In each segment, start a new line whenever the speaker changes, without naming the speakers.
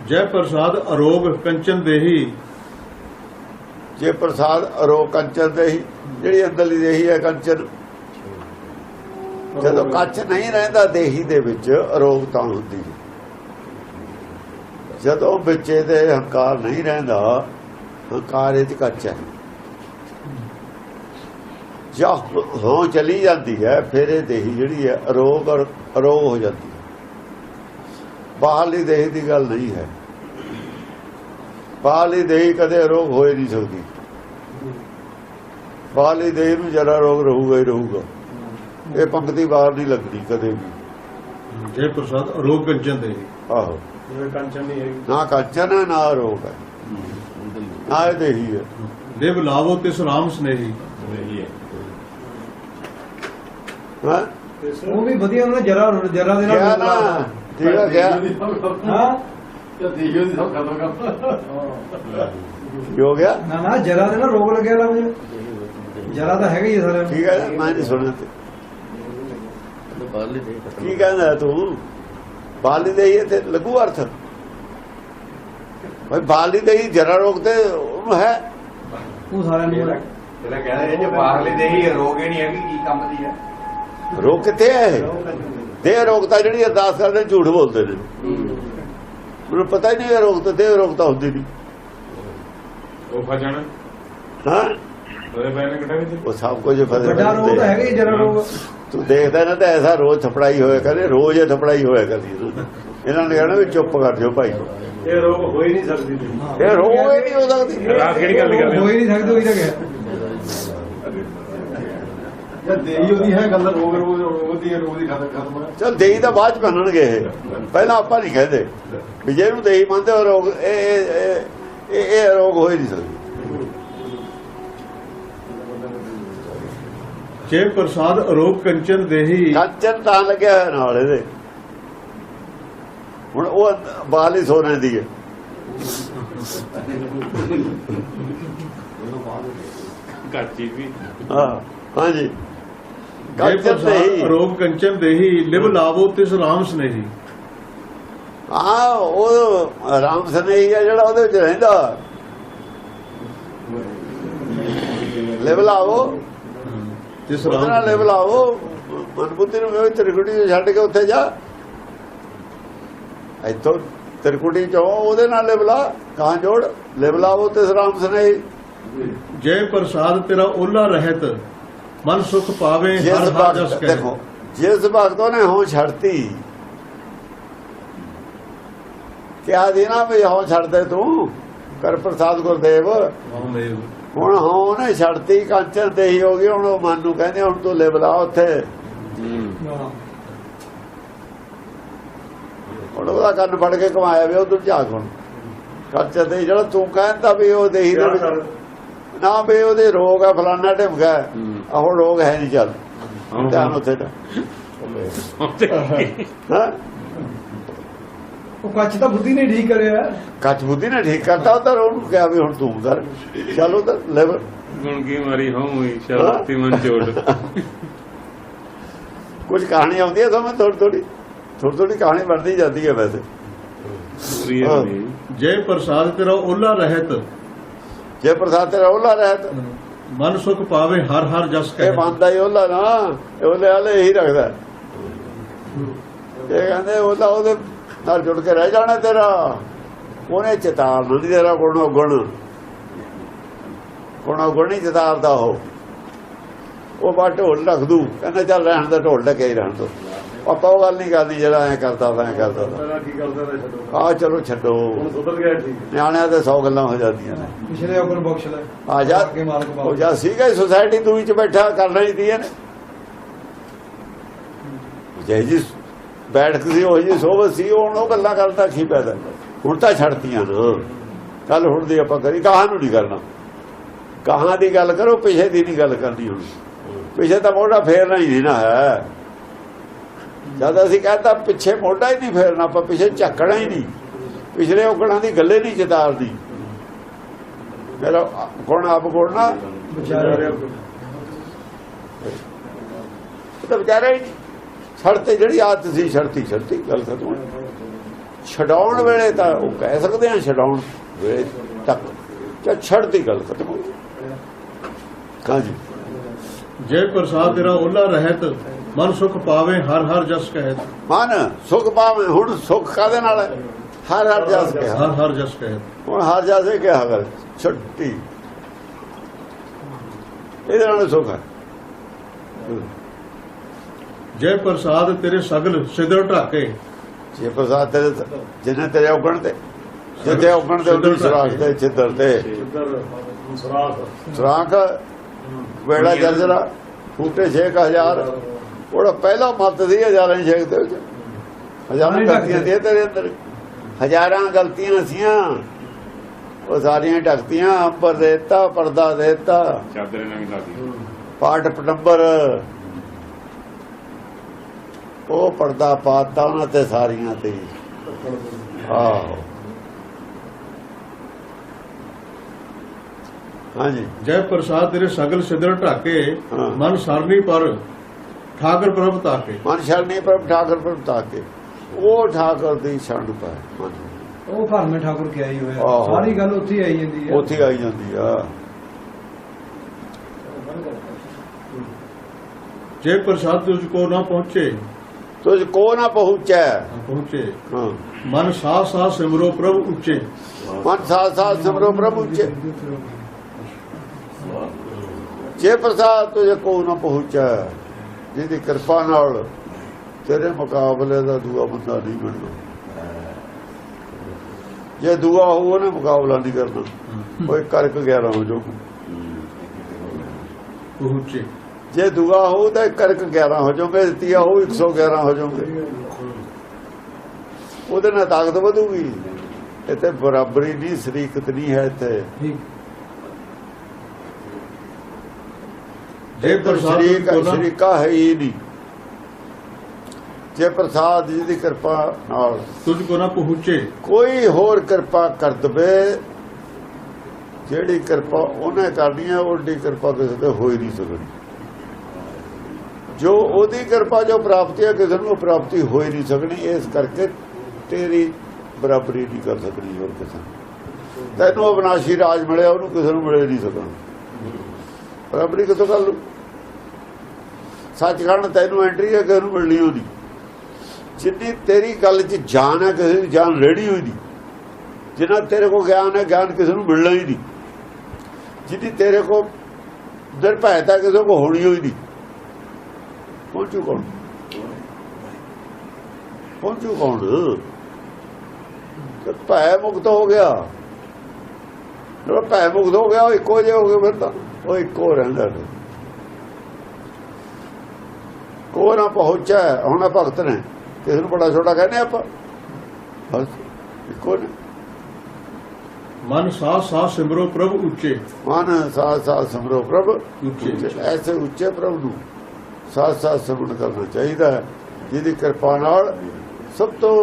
ਜੈ ਪ੍ਰਸਾਦ ਅਰੋਗ ਕੰਚਨ ਦੇਹੀ।
ਜੇ ਪ੍ਰਸਾਦ ਅਰੋਗ ਕੰਚਨ ਦੇਹੀ, ਜਿਹੜੀ ਅੰਦਰਲੀ ਦੇਹੀ ਹੈ ਕੰਚਨ। ਜਦੋਂ ਕੱਚ ਨਹੀਂ ਰਹਿੰਦਾ ਦੇਹੀ ਦੇ ਵਿੱਚ ਅਰੋਗਤਾ ਹੁੰਦੀ ਹੈ। ਜਦੋਂ ਵਿੱਚ ਇਹਦੇ ਹੰਕਾਰ ਨਹੀਂ ਰਹਿੰਦਾ, ਹੰਕਾਰ ਇਹ 'ਚ ਕੱਚ ਹੈ। ਜਾਂ ਹਾਂ ਚਲੀ ਜਾਂਦੀ ਹੈ, ਫਿਰ ਇਹ ਦੇਹੀ ਜਿਹੜੀ ਹੈ ਅਰੋਗ ਔਰ ਅਰੋਗ ਹੋ ਜਾਂਦੀ ਹੈ। ਬਾਹਰਲੀ ਦੇਹੀ ਦੀ ਗੱਲ ਨਹੀਂ ਹੈ। ਬਾਹਰਲੀ ਦੇਹੀ ਕਦੇ ਅਰੋਗ ਹੋ ਹੀ ਨਹੀਂ ਸਕਦੀ। ਬਾਹਰਲੀ ਦੇਹੀ ਨੂੰ ਜਰਾ ਰੋਗ ਰਹੂਗਾ ਹੀ ਰਹੂਗਾ। ਇਹ ਪੰਕਤੀ ਬਾਹਰ ਨਹੀਂ ਲੱਗਦੀ ਕਦੇ ਵੀ।
ਜੈ ਪ੍ਰਸਾਦ ਅਰੋਗ ਕੰਚਨ ਦੇਹੀ।
ਆਹੋ,
ਕੰਚਨ ਨਹੀਂ ਹੈਗੀ, ਨਾ
ਕੰਚਨ ਹੈ ਨਾ ਅਰੋਗ ਹੈ, ਨਾ ਇਹ ਦੇਹੀ ਹੈ।
ਦੇਵ ਲਾਵੋ ਤਿਸ ਰਾਮ ਸਨੇਹੀ।
ਹਾਂ,
ਉਹ ਵੀ ਵਧੀਆ ਉਹਨਾਂ ਜਰਾ ਜਰਾ ਦੇ
ਕਿਹਾ
ਨਾਲ
ਨਾ, ਠੀਕ ਹੈ ਕਿਹਾ।
ਹਾਂ
ਕੀ ਹੋ ਗਿਆ?
ਨਾ ਨਾ ਜਰਾ ਦੇ ਨਾਲ ਰੋਗ ਲੱਗਿਆ ਲੱਗ ਜਰਾ ਤਾਂ ਹੈਗਾ ਹੀ ਸਾਰੇ।
ਠੀਕ ਹੈ, ਮੈਂ ਨਹੀਂ ਸੁਣਿਆ ਤੇ ਕੀ ਕਹਿੰਦਾ ਤੂੰ? ਬਾਲੀ ਦੇਹੀ ਇੱਥੇ ਲੱਗੂ ਅਰਥ ਭਾਈ। ਬਾਲੀ ਦੇਹੀ ਜਰਾ ਰੋਗ ਤੇ ਉਹਨੂੰ ਹੈ।
ਉਹ ਸਾਰਿਆਂ ਨੂੰ
ਜਿਹੜਾ ਕਹਿੰਦੇ ਜੇ ਬਾਹਰਲੇ ਦੇਹੀ ਰੋਗ ਹੀ ਨਹੀਂ ਹੈਗੀ, ਕੀ ਕੰਮ ਦੀ ਹੈ?
ਰੋਗ ਕਿੱਥੇ ਹੈ? ਦੇਹ ਰੋਗਤਾ ਜਿਹੜੀ ਅਰਦਾਸ ਕਰਦੇ ਝੂਠ ਬੋਲਦੇ ਨੇ। ਮੈਨੂੰ ਪਤਾ ਹੀ ਨਹੀਂ ਰੋਗ ਤਾਂ ਦੇਹ ਰੋਗਤਾ ਹੁੰਦੀ ਨਹੀਂ।
ਉਹ ਫਜਣ
ਹਾਂ,
ਉਹਦੇ ਪੈਣੇ ਕਿਹੜਾ ਵਿੱਚ
ਉਹ ਸਭ ਕੁਝ
ਵੱਡਾ ਰੋਗ ਤਾਂ ਹੈਗਾ ਹੀ ਜਰਾ ਰੋਗ।
ਤੂੰ ਦੇਖਦਾ ਨਾ ਤਾਂ ਐਸਾ ਰੋਜ਼ ਥਪੜਾਈ ਹੋਇਆ ਕਰੇ, ਰੋਜ਼ ਇਹ ਥਪੜਾਈ ਹੋਇਆ ਕਰਦੀ। ਇਹਨਾਂ ਨੇ ਕਹਿਣਾ ਵੀ ਚੁੱਪ ਕਰ ਜਾਓ ਭਾਈ।
ਇਹ ਰੋਗ ਹੋ ਹੀ ਨਹੀਂ ਸਕਦੀ।
ਇਹ ਰੋਗ ਹੀ ਨਹੀਂ ਹੋ ਸਕਦੀ।
ਰਾਤ ਕਿਹੜੀ ਗੱਲ ਕਰਦੇ
ਹੋ ਹੀ ਨਹੀਂ ਸਕਦੇ, ਉਹੀ ਤਾਂ ਕਿਹਾ। ਜਦ ਦੇਹੀ ਉਹਦੀ ਹੈ ਗੱਲ, ਰੋਗ ਦੀ ਖਤਮ।
ਚਲ ਦੇਹੀ ਤਾਂ ਬਾਅਦ ਚ ਮੰਨਣਗੇ ਇਹ, ਪਹਿਲਾਂ ਆਪਾਂ ਨਹੀਂ ਕਹਿੰਦੇ ਵੀ ਜੇ ਇਹਨੂੰ ਦੇਹੀ ਮੰਨਦੇ ਹੋ ਰੋਗ ਇਹ ਰੋਗ ਹੋ ਹੀ ਨਹੀਂ ਸਕਦੀ।
ਜੈ ਪ੍ਰਸਾਦ ਅਰੋਗ ਕੰਚਨ ਦੇਹੀ।
ਕੰਚਨ ਤਾਂ ਲੱਗਿਆ ਹੋਇਆ ਨਾਲ ਇਹਦੇ। ਹੁਣ ਉਹ ਬਾਲ ਹੀ ਸੋਨੇ ਦੀ ਹੈ।
ਕੱਚੀ ਵੀ
ਹਾਂ, ਹਾਂਜੀ।
ਜੈ
ਕੰਚਨ
ਪ੍ਰਸਾਦ
ਦੇਹੀ,
ਅਰੋਗ ਕੰਚਨ ਦੇਹੀ। ਲਿਵ ਲਾਵੋ ਤਿਸ ਰਾਮ ਸਨੇਹੀ।
ਹਾਂ, ਉਹ ਰਾਮ ਸਨੇਹੀ ਹੈ ਜਿਹੜਾ ਉਹਦੇ ਵਿੱਚ ਰਹਿੰਦਾ। ਲੈਵਲ ਆਵੋ
ਤਿਸ
ਉਹਦੇ ਨਾਲ,
ਰਾਮ
ਲੈਵਲ ਆਵੋ ਮਨਬੁੱਧੀ ਨੂੰ ਤ੍ਰਿਕੁਟੀ ਤੋਂ ਛੱਡ ਕੇ ਉੱਥੇ ਜਾ। ਇੱਥੋਂ ਤ੍ਰਿਕੁਟੀ ਚੋਂ ਉਹਦੇ ਨਾਲ ਲੈਵਲਾ ਕਹਾਂ ਜੋੜ। ਲੈਵਲ ਆਵੋ ਤਿਸ ਰਾਮ ਸਨੇਹੀ।
ਜੈ ਪ੍ਰਸਾਦ ਤੇਰਾ ਓਲਾ ਰਹਿਤ ਮਨ ਸੁਖ ਪਾਵੇ
ਜਿਸ
ਹਰ ਹਰ ਜਸ
ਵਕਤ
ਕਹੇ।
ਦੇਖੋ, ਜਿਸ ਵਕਤ ਉਹਨੇ ਹੋਂ ਛੱਡਤੀ, ਕਿਹਾ ਦੀ ਨਾ ਵੀ ਹੋਂ ਛੱਡ ਦੇ ਤੂੰ, ਕਰ ਪ੍ਰਸਾਦ ਗੁਰਦੇਵ। ਹੁਣ ਉਹਨੇ ਛੱਡਤੀ, ਕੰਚਨ ਦੇਹੀ ਹੋ ਗਈ। ਹੁਣ ਉਹ ਮਨ ਨੂੰ ਕਹਿੰਦੇ ਹੁਣ ਤੂੰ ਲੈਵਲ ਆ ਉੱਥੇ। ਹੁਣ ਉਹਦਾ ਕੰਨ ਫੜ ਕੇ ਕਮਾਇਆ ਵੀ ਉਧਰ ਝਾਕ। ਹੁਣ ਕੰਚਨ ਦੇਹੀ ਜਿਹੜਾ ਤੂੰ ਕਹਿੰਦਾ ਵੀ ਉਹ ਦੇਹੀ ਦੇ ਵਿੱਚ ਨਾ ਵੀ ਉਹਦੇ ਰੋਗ ਆ ਫਲਾਨਾ ਢਿਮਕਾ, ਹੁਣ ਰੋਗ ਹੈ ਨਹੀਂ। ਚੱਲ ਧਿਆਨ ਉੱਥੇ ਦਾ। ਹਾਂ,
ਉਹ ਕੱਚ ਤਾਂ ਬੁੱਧੀ ਨੇ ਠੀਕ ਕਰਿਆ।
ਕੱਚ ਬੁੱਧੀ ਨੇ ਠੀਕ ਕਰਤਾ। ਉਧਰ ਉਹਨੂੰ ਕਿਹਾ ਵੀ ਹੁਣ ਤੂੰ ਕਰ, ਚੱਲ ਉਧਰ ਲੈਵਲ।
ਗੁਣ ਕੀ ਮਾਰੀ ਹੋਈ ਸ਼ਰਤੀ ਮਨ ਚੋਟ।
ਕੁਝ ਕਹਾਣੀ ਆਉਂਦੀ ਹੈ ਸਮਝ, ਥੋੜੀ ਥੋੜੀ ਕਹਾਣੀ ਬਣਦੀ ਜਾਂਦੀ ਹੈ ਵੈਸੇ।
ਜੈ ਪ੍ਰਸਾਦ ਤੇਰਾ ਓਲਾ ਰਹਿਤ।
ਜੇ ਪ੍ਰਸਾਦ ਤੇਰਾ ਓਲਾ ਰਹਿਤ,
ਮਨ ਸੁਖ ਪਾਵੇ ਹਰ ਹਰ ਜਸ
ਇਹ
ਕਹੇ।
ਮੰਨਦਾ ਹੀ ਓਲਾ ਨਾ, ਓਲੇ ਵਾਲੇ ਇਹੀ ਰੱਖਦਾ। ਇਹ ਕਹਿੰਦੇ ਓਲਾ ਉਹਦੇ ਨਾਲ ਜੁੜ ਕੇ ਰਹਿ ਜਾਣਾ ਤੇਰਾ। ਉਹਨੇ ਚਿਤਾਰ ਨਹੀਂ ਤੇਰਾ ਗੁਣੋ ਗੁਣ ਨਹੀਂ ਚਿਤਾਰਦਾ। ਉਹ ਬਾ ਢੋਲ ਰੱਖ ਦੂ, ਕਹਿੰਦਾ ਚੱਲ ਰਹਿਣ ਦਾ, ਢੋਲ ਢਕੇ ਹੀ ਰਹਿਣ ਦੋ। ਆਪਾਂ ਉਹ ਗੱਲ ਨਹੀਂ ਕਰਦੀ ਜਿਹੜਾ ਐਂ ਕਰਦਾ ਤਾਂ ਐਂ ਕਰਦਾ ਤਾਂ। ਆਹ ਚਲੋ ਛੱਡੋ, ਨਿਆਣਿਆਂ ਤੇ 100 ਗੱਲਾਂ ਹੋ ਜਾਂਦੀਆਂ ਨੇ।
ਪਿਛਲੇ ਆਪਨ ਬਖਸ਼ ਲੈ
ਆ ਜਾ, ਉਹ ਜਾ ਸੀਗਾ ਸੁਸਾਇਟੀ ਦੂਈ ਚ ਬੈਠਾ ਕਰਨਾ ਹੀ ਦੀਆਂ ਨੇ। ਜੈ ਜੀ ਬੈਠ ਸੀ, ਉਹ ਜੀ ਸੋਭਤ ਸੀ। ਹੁਣ ਉਹ ਗੱਲਾਂ ਕਰਦਾ ਕੀ ਪੈਦਾ। ਹੁਣ ਤਾਂ ਛੱਡਤੀਆਂ ਨਾ। ਕੱਲ ਹੁਣ ਦੀ ਆਪਾਂ ਕਰੀ, ਕਹਾਂ ਨੂੰ ਨਹੀਂ ਕਰਨਾ। ਕਹਾਂ ਦੀ ਗੱਲ ਕਰੋ, ਪਿਛੇ ਦੀ ਨਹੀਂ ਗੱਲ ਕਰਨੀ। ਹੁਣ ਪਿਛੇ ਤਾਂ ਮੋਢਾ ਫੇਰਨਾ ਹੀ ਨਹੀਂ ਨਾ ਹੈ। ਜਦ ਅਸੀਂ ਕਹਿੰਦਾ ਪਿੱਛੇ ਮੋਢਾ ਹੀ ਨਹੀਂ ਫੇਰਨਾ, ਆਪਾਂ ਪਿੱਛੇ ਝੱਕਣਾ ਹੀ ਨਹੀਂ। ਪਿਛਲੇ ਔਗਣਾਂ ਦੀ ਗੱਲੇ ਨਹੀਂ ਚਿਤਾਰਦੀ। ਮੇਰਾ ਗੁਣ ਆਪ ਗੁਣਨਾ ਤਾਂ ਵਿਚਾਰਾ ਹੀ ਛੜਤੇ। ਜਿਹੜੀ ਆਦਤ ਸੀ ਛੜਤੀ ਗੱਲ ਖਤਮ। ਛਡਾਉਣ ਵੇਲੇ ਤਾਂ ਉਹ ਕਹਿ ਸਕਦੇ ਆ, ਛਡਾਉਣ ਵੇਲੇ ਤੱਕ ਜਾਂ ਛੱਡਦੀ ਗੱਲ ਖਤਮ ਹੋ ਗਈ। ਹਾਂਜੀ,
ਜੇ ਪ੍ਰਸਾਦ ਤੇਰਾ ਓਲਾ ਰਹਿਤ ਮਨ ਸੁਖ ਪਾਵੇ ਹਰ ਹਰ ਜਸ ਕਹਿਤ।
ਮਨ ਸੁਖ ਪਾਵੇ, ਹੁਣ ਸੁਖ ਕਾਹਦੇ ਨਾਲ ਹੈ? ਹਰ ਹਰ ਜਸ ਕਿਹਾ,
ਹਰ ਹਰ ਜਸ ਕਹਿਤ।
ਹੁਣ ਹਰ ਜਸੇ ਕਿਹਾ ਗੱਲ ਛੱਡੀ, ਇਹਦੇ ਨਾਲ ਸੁਖ ਹੈ।
ਜੇ ਪ੍ਰਸਾਦ ਤੇਰੇ ਸਗਲ ਸਿਦਰ ਢਾਕੇ।
ਜੇ ਪ੍ਰਸਾਦ ਤੇਰੇ ਜਿਹਨੇ ਤੇਰੇ ਉਗਣ ਤੇ ਜਿੱਥੇ ਉਗਣ ਤੇ ਉਹਦੀ ਸਰਾਖ ਤੇ ਛਿੱਦਰ ਤੇ ਸਰਾਖ ਵੇੜਾ ਜਰਜਰਾ ਫੂਟੇ 6000। ਉਹਦਾ ਪਹਿਲਾ ਮੱਤ ਸੀ ਹਜ਼ਾਰਾਂ ਹੀ ਛੇਕ ਦੇ ਵਿੱਚ, ਹਜ਼ਾਰਾਂ ਗਲਤੀਆਂ ਸੀ ਤੇਰੇ ਅੰਦਰ, ਹਜ਼ਾਰਾਂ ਗਲਤੀਆਂ ਸੀਆਂ, ਉਹ ਸਾਰੀਆਂ ਢੱਕਤੀਆਂ। ਅੰਬਰ ਦੇਤਾ, ਪਰਦਾ ਦੇਤਾ,
ਚਾਦਰ ਨਵੀਂ ਲਾਦੀ,
ਪਾਠ ਪਟੰਬਰ, ਉਹ ਪਰਦਾ ਪਾਤਾ ਉਹਨਾਂ ਤੇ ਸਾਰੀਆਂ ਤੇ। ਆਹੋ ਹਾਂਜੀ,
ਜੈ ਪ੍ਰਸਾਦ ਤੇਰੇ ਸਗਲ ਸਿਦਰ ਢਾਕੇ
ਹਾਂ।
ਮਨ ਸਰਨੀ ਪਰ ਠਾਕਰ ਪ੍ਰਭ ਤਾਕੇ।
ਮਨ ਸ਼ਰਣੀ ਪ੍ਰਭ ਠਾਕਰ ਪ੍ਰਭ ਤਾਕੇ, ਉਹ ਠਾਕਰ ਦੀ ਸ਼ਰਨ ਪਾਏ ਮਨ,
ਉਹ ਘਰ ਮੇ ਠਾਕੁਰ ਕਿਹਾ ਹੀ ਹੋਇਆ,
ਆਹੋ।
ਸਾਰੀ ਗੱਲ ਉੱਥੇ ਆਈ ਜਾਂਦੀ ਹੈ।
ਉੱਥੇ ਆਈ ਜਾਂਦੀ ਆ।
ਜੇ ਪ੍ਰਸਾਦ ਤੁਝ ਕੋ ਨਾ ਪਹੁੰਚੇ।
ਤੁਝ ਕੋ ਨਾ ਪਹੁੰਚੈ,
ਪਹੁੰਚੇ
ਹਾਂ।
ਮਨ ਸਾਹ ਸਾਹ ਸਿਮਰੋ ਪ੍ਰਭ ਉੱਚੇ।
ਮਨ ਸਾਥ ਸਾਥ ਸਿਮਰੋ ਪ੍ਰਭ ਉੱਚੇ। ਜੇ ਪ੍ਰਸਾਦ ਤੁਝੇ ਕੋ ਨਾ ਪਹੁੰਚੈ, ਜਿਹਦੀ ਕਿਰਪਾ ਨਾਲ ਤੇਰੇ ਮੁਕਾਬਲੇ ਦਾ ਦੂਆ ਬੰਦਾ ਨਹੀਂ ਮਿਲਣਾ। ਜੇ ਦੂਆ ਹੋ ਉਹਨੇ ਮੁਕਾਬਲਾ ਨਹੀਂ ਕਰਨਾ, ਕੋਈ ਕਰਕ 11 ਹੋ ਜਾਊ।
ਪਹੁੰਚੇ
ਜੇ ਦੂਆ ਹੋ ਤਾਂ ਕਰਕ 11 ਹੋ ਜਾਓਗੇ, ਤੀਆ ਹੋ 111 ਹੋ ਜਾਓਗੇ। ਉਹਦੇ ਨਾਲ ਤਾਕਤ ਵਧੂਗੀ। ਇੱਥੇ ਬਰਾਬਰੀ ਨਹੀਂ, ਸ਼ਰੀਕਤ ਨਹੀਂ ਹੈ ਇੱਥੇ।
ਜੇ ਪ੍ਰਸਾਦ ਤੁਝ ਕੋ ਨਾ
ਸ਼ਰੀਕਾ ਹੈ ਹੀ ਨਹੀਂ। ਜੇ ਪ੍ਰਸਾਦ ਜੀ ਦੀ ਕਿਰਪਾ ਨਾਲ
ਤੁਝ ਕੋ ਨਾ ਪਹੁੰਚੇ।
ਕੋਈ ਹੋਰ ਕਿਰਪਾ ਕਰ ਦਵੇ, ਜਿਹੜੀ ਕਿਰਪਾ ਉਹਨੇ ਕਰਨੀ ਹੈ, ਉਹਦੀ ਕਿਰਪਾ ਕਿਸੇ ਤੇ ਹੋ ਹੀ ਨਹੀਂ ਸਕਦੀ। ਜੋ ਉਹਦੀ ਕਿਰਪਾ ਜੋ ਪ੍ਰਾਪਤੀ ਹੈ, ਕਿਸੇ ਨੂੰ ਪ੍ਰਾਪਤੀ ਹੋ ਹੀ ਨਹੀਂ ਸਕਣੀ। ਇਸ ਕਰਕੇ ਤੇਰੀ ਬਰਾਬਰੀ ਨਹੀਂ ਕਰ ਸਕਣੀ ਹੋਰ ਕਿਸੇ ਨੂੰ। ਤੈਨੂੰ ਅਵਿਨਾਸ਼ੀ ਰਾਜ ਮਿਲਿਆ, ਉਹਨੂੰ ਕਿਸੇ ਨੂੰ ਮਿਲੇ ਨਹੀਂ ਸਕਣਾ। ਬਰਾਬਰੀ ਕਿੱਥੋਂ ਕਰ ਲੂ? ਸੱਚਖੰਡ ਤੈਨੂੰ ਐਂਟਰੀ ਹੈ, ਕਿਸੇ ਨੂੰ ਮਿਲਣੀ ਹੋਣੀ। ਜਿੰਨੀ ਤੇਰੀ ਗੱਲ 'ਚ ਜਾਨ ਹੈ, ਕਿਸੇ ਦੀ ਜਾਨ ਰੇੜੀ ਹੋਈ ਨਹੀਂ। ਜਿੰਨਾ ਤੇਰੇ ਕੋਲ ਗਿਆਨ ਹੈ, ਗਿਆਨ ਕਿਸੇ ਨੂੰ ਮਿਲਣਾ ਹੀ ਨਹੀਂ। ਜਿੰਨੀ ਤੇਰੇ ਕੋਲ ਨਿਰਭੈਤਾ, ਕਿਸੇ ਕੋਲ ਹੋਣੀ ਹੋਈ ਨਹੀਂ। ਪਹੁੰਚੂ ਕੌਣ? ਪਹੁੰਚੂ ਕੌਣ? ਭੈ ਮੁਕਤ ਹੋ ਗਿਆ। ਜਦੋਂ ਭੈ ਮੁਕਤ ਹੋ ਗਿਆ, ਉਹ ਇੱਕੋ ਜਿਹਾ ਹੋ ਗਿਆ। ਫਿਰ ਤਾਂ ਉਹ ਇੱਕੋ ਰਹਿੰਦਾ। ਕੋ ਨਾ ਪਹੁੰਚਾ। ਹੁਣ ਭਗਤ ਨੇ, ਕਿਸੇ ਨੂੰ ਬੜਾ ਛੋਟਾ ਕਹਿੰਦੇ ਆਪਾਂ, ਬਸ ਇੱਕੋ ਨੇ।
ਮਨ ਸਾਹ ਸਾਹ ਸਿਮਰੋ ਪ੍ਰਭ ਉੱਚੇ।
ਮਨ ਸਾਥ ਸਾਥ ਸਿਮਰੋ ਪ੍ਰਭ
ਉੱਚੇ।
ਐਸੇ ਉੱਚੇ ਪ੍ਰਭ ਨੂੰ ਸਾਥ ਸਾਥ ਸਿਮਰਨ ਕਰਨਾ ਚਾਹੀਦਾ ਹੈ, ਜਿਹਦੀ ਕਿਰਪਾ ਨਾਲ ਸਭ ਤੋਂ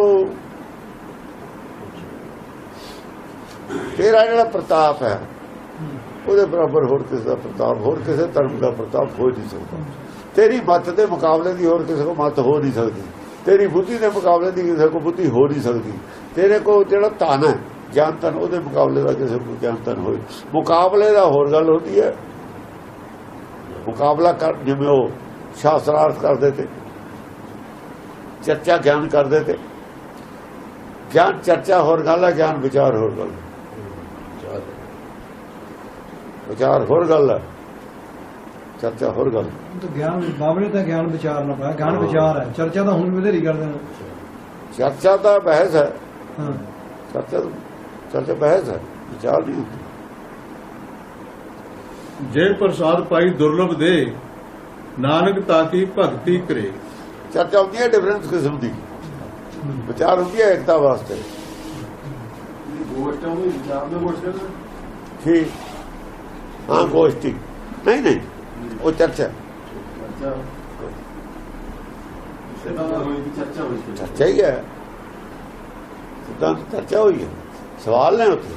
ਤੇਰਾ ਜਿਹੜਾ ਪ੍ਰਤਾਪ ਹੈ, ਉਹਦੇ ਬਰਾਬਰ ਹੋਰ ਕਿਸੇ ਦਾ ਪ੍ਰਤਾਪ, ਹੋਰ ਕਿਸੇ ਧਰਮ ਦਾ ਪ੍ਰਤਾਪ ਹੋ ਨਹੀਂ ਸਕਦਾ। ਤੇਰੀ ਮੱਤ ਦੇ ਮੁਕਾਬਲੇ ਦੀ ਹੋਰ ਕਿਸੇ ਕੋ ਮੱਤ ਹੋ ਨਹੀਂ ਸਕਦੀ। ਤੇਰੀ ਬੁੱਧੀ ਦੇ ਮੁਕਾਬਲੇ ਦੀ ਕਿਸੇ ਕੋ ਬੁੱਧੀ ਹੋ ਨਹੀਂ ਸਕਦੀ। ਤੇਰੇ ਕੋਲ ਜਿਹੜਾ ਧਨ ਹੈ, ਗਿਆਨ ਧਨ, ਉਹਦੇ ਮੁਕਾਬਲੇ ਦਾ ਕਿਸੇ ਕੋ ਗਿਆਨ ਧਨ ਹੋਏ। ਮੁਕਾਬਲੇ ਦਾ ਹੋਰ ਗੱਲ ਹੁੰਦੀ ਹੈ। ਮੁਕਾਬਲਾ ਕਰ, ਜਿਵੇਂ ਉਹ ਸ਼ਾਸਤਰਾਰਥ ਕਰਦੇ ਤੇ, ਚਰਚਾ ਗਿਆਨ ਕਰਦੇ ਤੇ। ਗਿਆਨ ਚਰਚਾ ਹੋਰ ਗੱਲ ਹੈ, ਗਿਆਨ ਵਿਚਾਰ ਹੋਰ ਗੱਲ। ਵਿਚਾਰ ਹੋਰ ਗੱਲ ਹੈ, ਚਰਚਾ ਹੋਰ ਗੱਲ।
ਗਿਆਨ ਬਾਬਲੇ ਤਾਂ ਗਿਆਨ ਵਿਚਾਰ ਨਾ ਪਾਇਆ, ਗਿਆਨ ਵਿਚਾਰ ਹੈ। ਚਰਚਾ ਤਾਂ ਹੁਣ ਵੀ ਬਥੇਰੀ ਕਰਦੇ ਨੇ।
ਚਰਚਾ ਤਾਂ ਬਹਿਸ ਹੈ।
ਹਾਂ,
ਚਰਚਾ ਬਹਿਸ ਹੈ, ਵਿਚਾਰ ਨਹੀਂ ਹੁੰਦੀ।
ਜੇ ਪ੍ਰਸਾਦ ਪਾਈ ਦੁਰਲਭ ਦੇ ਨਾਨਕ ਤਾਕੀ ਭਗਤੀ ਕਰੇ।
ਚਰਚਾ ਹੁੰਦੀ ਹੈ ਡਿਫਰੈਂਸ ਕਿਸਮ ਦੀ, ਵਿਚਾਰ ਹੁੰਦੀ ਹੈ ਏਕਤਾ ਵਾਸਤੇ।
ਗੋਸ਼ਟਾਂ ਨੂੰ ਵਿਚਾਰ ਨੂੰ ਗੋਸ਼ਟਾਂ
ਠੀਕ, ਹਾਂ ਗੋਸ਼ਟੀ ਨਹੀਂ, ਉਹ ਚਰਚਾ। ਚਰਚਾ ਹੀ ਹੈ, ਸਿੱਧਾਂਤ ਚਰਚਾ ਹੋਈ ਹੈ। ਸਵਾਲ ਨੇ ਉੱਥੇ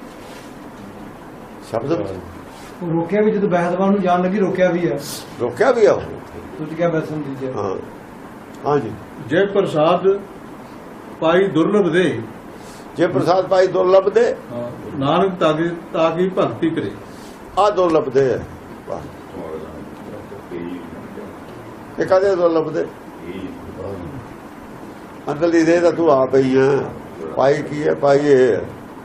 ਸ਼ਬਦ
ਉਹ ਰੋਕਿਆ ਵੀ, ਜਦੋਂ ਬਹਿਦਵਾਨ ਨੂੰ ਜਾਣ ਲੱਗੀ ਰੋਕਿਆ ਵੀ ਹੈ।
ਰੋਕਿਆ ਵੀ ਆ।
ਤੁਸੀਂ ਕਿਹਾ ਬੈਸਨ ਦੀਜੇ।
ਹਾਂ ਹਾਂਜੀ।
ਜੇ ਪ੍ਰਸਾਦ ਪਾਈ ਦੁਰਲਭ ਦੇ
ਜੇ ਪ੍ਰਸਾਦ ਪਾਈ ਦੁਰਲਭ ਦੇ,
ਨਾਨਕ ਤਾਂ ਕੀ ਭਗਤੀ ਕਰੇ।
ਆ ਦੁਰਲਭ ਦੇ ਹੈ। ਵਾਹ, ਇਹ ਕਦੇ ਦੁਰਲਭ ਦੇ ਅੰਦਰਲੀ ਦੇ ਤਾਂ ਤੂੰ ਆਪ ਹੀ ਹੈ। ਪਾਈ ਕੀ ਹੈ? ਪਾਈ ਇਹ ਹੈ,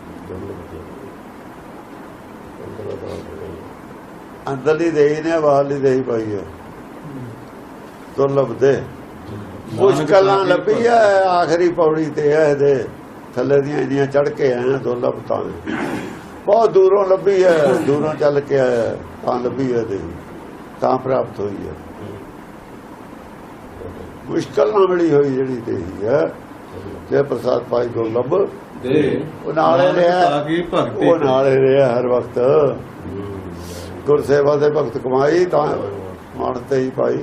ਅੰਦਰਲੀ ਦੇ ਹੀ ਨੇ, ਬਾਹਰਲੀ ਦੇ ਹੀ ਪਾਈ ਹੈ। ਦੁਰਲਭ ਦੇ ਮੁਸ਼ਕਲਾਂ ਲੱਭੀ ਹੈ, ਆਖਰੀ ਪੌੜੀ ਤੇ ਹੈ ਇਹਦੇ ਥੱਲੇ ਦੀਆਂ ਇੰਨੀਆਂ ਚੜ ਕੇ ਆਏ ਦੁਰਲਭ ਤਾਂ ਬਹੁਤ ਦੂਰੋਂ ਲੱਭੀ ਹੈ, ਦੂਰੋਂ ਚੱਲ ਕੇ ਆਇਆ ਤਾਂ ਲੱਭੀ ਹੈ, ਤਾਂ ਪ੍ਰਾਪਤ ਹੋਈ ਹੈ। ਮੁਸ਼ਕਲ ਨਾਲ ਮਿਲੀ ਹੋਈ ਜਿਹੜੀ ਤੇ ਹੈ, ਜੇ ਪ੍ਰਸਾਦ ਪਾਈ ਦੁਰਲਭ
ਦੇ
ਉਹ ਨਾਲੇ ਰਿਹਾ,
ਤਾਂ ਕੀ ਭਗਤੀ
ਉਹ ਨਾਲੇ ਰਿਹਾ ਹਰ ਵਕਤ। ਗੁਰਸੇਵਾ ਦੇ ਭਗਤ ਕਮਾਈ ਤਾਂ ਮਨ ਤੇ ਹੀ ਪਾਈ।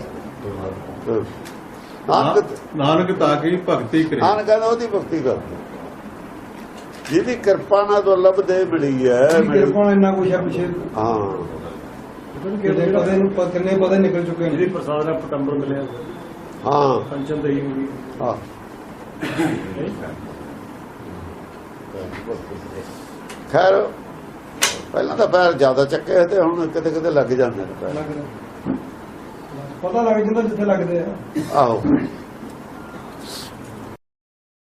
ਨਾਨਕ ਤਾਂ ਕੀ ਭਗਤੀ ਕਰੇ।
ਨਾਨਕ ਕਹਿੰਦਾ ਉਹਦੀ ਭਗਤੀ ਕਰ, ਜਿਹਦੀ ਕਿਰਪਾ ਨਾਲ ਦੁਰਲਭ ਦੇ ਮਿਲੀ ਹੈ।
ਕਿਰਪਾ ਨਾਲ ਇੰਨਾ ਕੁਛ ਹੈ ਪਿੱਛੇ,
ਹਾਂ,
ਕਿੰਨੇ ਪਤਾ ਨਿਕਲ ਚੁੱਕੇ ਨੇ।
ਪ੍ਰਸਾਦ ਦਾ ਪਟੰਬਰ ਮਿਲਿਆ,
ਹਾਂ,
ਪੰਚਮ ਦਈ ਹੋ ਗਈ।
ਹਾਂ। ਖੈਰ ਪਹਿਲਾਂ ਤਾਂ ਪੈਰ ਜ਼ਿਆਦਾ ਚੱਕੇ ਤੇ ਹੁਣ ਕਿਤੇ ਕਿਤੇ ਲੱਗ ਜਾਂਦੇ ਨੇ ਪੈਰ।
ਪਤਾ ਲੱਗ ਜਾਂਦਾ ਜਿੱਥੇ ਲੱਗਦੇ ਆ।
ਆਹੋ,